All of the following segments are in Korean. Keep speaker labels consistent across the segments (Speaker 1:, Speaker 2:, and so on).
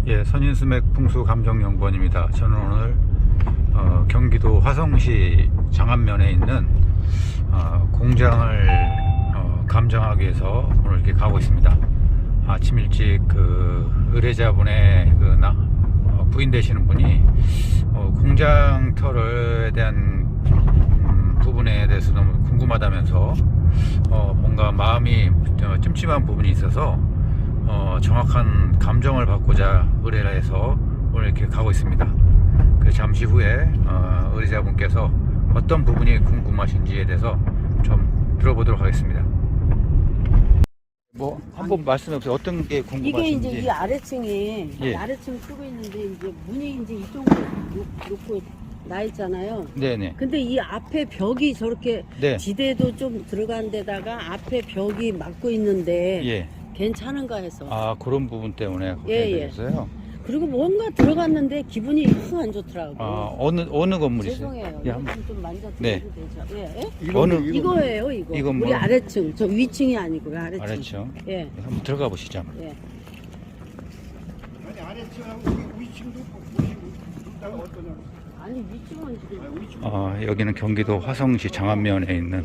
Speaker 1: 예, 선인수맥 풍수감정연구원입니다. 저는 오늘 경기도 화성시 장안면에 있는 공장을 감정하기 위해서 오늘 이렇게 가고 있습니다. 아침 일찍 그 의뢰자분의 부인 되시는 분이 공장 털에 대한 부분에 대해서 너무 궁금하다면서 뭔가 마음이 찜찜한 부분이 있어서 정확한 감정을 받고자 의뢰를 해서 오늘 이렇게 가고 있습니다. 그래서 잠시 후에 의뢰자분께서 어떤 부분이 궁금하신지에 대해서 좀 들어보도록 하겠습니다. 뭐 한번 말씀해 보세요. 어떤 게 궁금하신지.
Speaker 2: 이게 이제 이 아래층에
Speaker 1: 예.
Speaker 2: 아래층 쓰고 있는데 이제 문이 이제 이쪽으로 놓고 나 있잖아요.
Speaker 1: 네네.
Speaker 2: 근데 이 앞에 벽이 저렇게
Speaker 1: 네.
Speaker 2: 지대도 좀 들어간 데다가 앞에 벽이 막고 있는데
Speaker 1: 예.
Speaker 2: 괜찮은가 해서.
Speaker 1: 아, 그런 부분 때문에
Speaker 2: 예,
Speaker 1: 그러셨어요?
Speaker 2: 그리고 뭔가 들어갔는데 기분이 영 안 좋더라고.
Speaker 1: 아, 어느 건물이세요?
Speaker 2: 죄송해요.
Speaker 1: 예,
Speaker 2: 이거 좀 만져도
Speaker 1: 네.
Speaker 2: 되죠? 예, 예?
Speaker 1: 이거는
Speaker 2: 이거.
Speaker 1: 이건 뭐?
Speaker 2: 우리 아래층. 저 위층이 아니고 아래층.
Speaker 1: 아래층.
Speaker 2: 예.
Speaker 1: 한번 들어가 보시죠. 한번.
Speaker 2: 예.
Speaker 3: 아니 아래층하고 위층도 있다가 어떠냐고.
Speaker 2: 아니 위층은 지금
Speaker 1: 여기는 경기도 화성시 장안면에 있는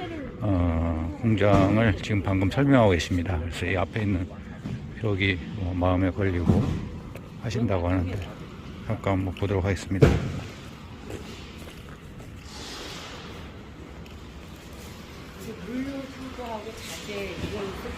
Speaker 1: 공장을 지금 방금 설명하고 계십니다. 그래서 이 앞에 있는 벽이 마음에 걸리고 하신다고 하는데 잠깐 한번 보도록 하겠습니다.
Speaker 2: 물류 출고하고 자재 이걸 쓸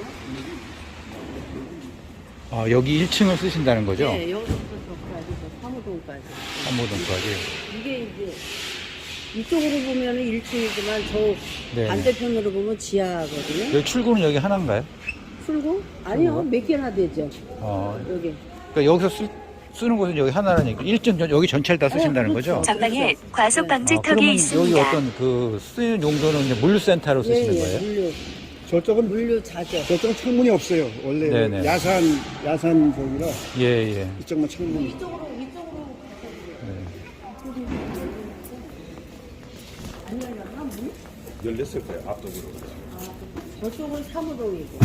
Speaker 2: 거거든요.
Speaker 1: 여기 1층을 쓰신다는 거죠?
Speaker 2: 네, 여기서부터 저까지, 저 사무동까지.
Speaker 1: 한모동까지.
Speaker 2: 이게 이제 이쪽으로 보면은 1층이지만 저
Speaker 1: 네.
Speaker 2: 반대편으로 보면 지하거든요.
Speaker 1: 여기 출구는 여기 하나인가요?
Speaker 2: 출고? 아니요, 몇 개나 되죠. 여기.
Speaker 1: 그러니까 여기서 쓰는 곳은 여기 하나라는 얘기. 1층 여기 전체를 다 쓰신다는
Speaker 2: 그렇죠.
Speaker 1: 거죠?
Speaker 4: 전방에 과속 방지턱이
Speaker 1: 그러면
Speaker 4: 있습니다.
Speaker 1: 여기 어떤 그 쓰는 용도는 이제 물류센터로 쓰시는 거예요?
Speaker 2: 물류.
Speaker 3: 저쪽은
Speaker 2: 물류 자재.
Speaker 3: 저쪽은 창문이 없어요. 원래
Speaker 1: 네네.
Speaker 3: 야산 쪽이라
Speaker 1: 예.
Speaker 3: 이쪽만 창문이.
Speaker 2: 이쪽으로. 아니요, 문?
Speaker 5: 열렸을 거예요, 앞쪽으로.
Speaker 2: 저쪽은 사무동이고.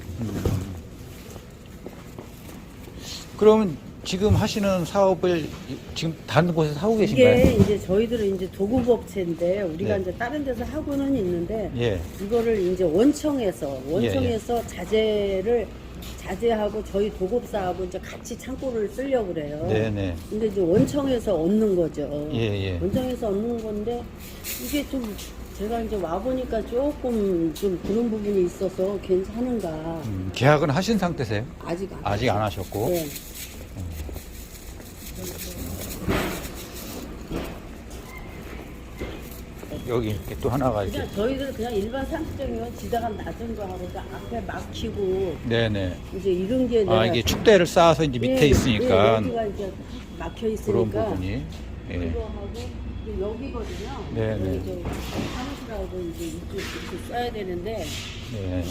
Speaker 1: 그러면 지금 하시는 사업을 지금 다른 곳에서 하고 계신가요?
Speaker 2: 이게 이제 저희들은 이제 도급업체인데 우리가
Speaker 1: 네.
Speaker 2: 이제 다른 데서 하고는 있는데
Speaker 1: 예.
Speaker 2: 이거를 이제 원청에서 자재하고 저희 도급사하고 이제 같이 창고를 쓰려고 그래요.
Speaker 1: 네네.
Speaker 2: 근데 이제 원청에서 얻는 거죠.
Speaker 1: 예.
Speaker 2: 원청에서 얻는 건데 이게 좀 제가 이제 와 보니까 조금 좀 그런 부분이 있어서 괜찮은가.
Speaker 1: 계약은 하신 상태세요?
Speaker 2: 아직
Speaker 1: 안 하셨고.
Speaker 2: 네.
Speaker 1: 여기 이렇게 또 하나가 이렇게.
Speaker 2: 그냥 저희들 그냥 일반 상식적이면 지대가 낮은 거 하고 앞에 막히고
Speaker 1: 네네.
Speaker 2: 이제 이런 게 내가
Speaker 1: 이게 축대를 쌓아서 이제 밑에 있으니까
Speaker 2: 여기가 이제 막혀
Speaker 1: 그런
Speaker 2: 있으니까
Speaker 1: 부분이. 예.
Speaker 2: 이거 하고 이제 여기거든요.
Speaker 1: 네네.
Speaker 2: 이제 사무실하고 이제 이쪽 이렇게 써야 되는데
Speaker 1: 네.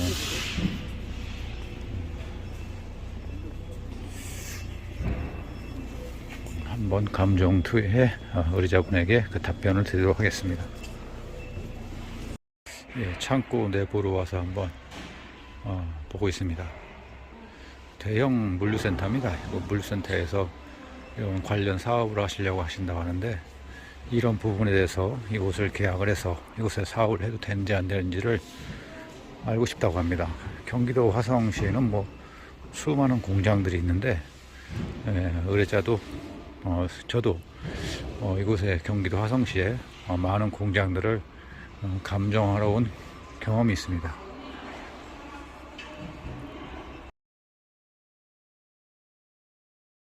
Speaker 1: 한번 감정 투에 의뢰자분에게 그 답변을 드리도록 하겠습니다. 예, 창고 내부로 와서 한번 보고 있습니다. 대형 물류센터입니다. 물류센터에서 이런 관련 사업을 하시려고 하신다고 하는데 이런 부분에 대해서 이곳을 계약을 해서 이곳에 사업을 해도 되는지 안 되는지를 알고 싶다고 합니다. 경기도 화성시에는 뭐 수많은 공장들이 있는데 의뢰자도 저도 이곳에 경기도 화성시에 많은 공장들을 감정하러 온 경험이 있습니다.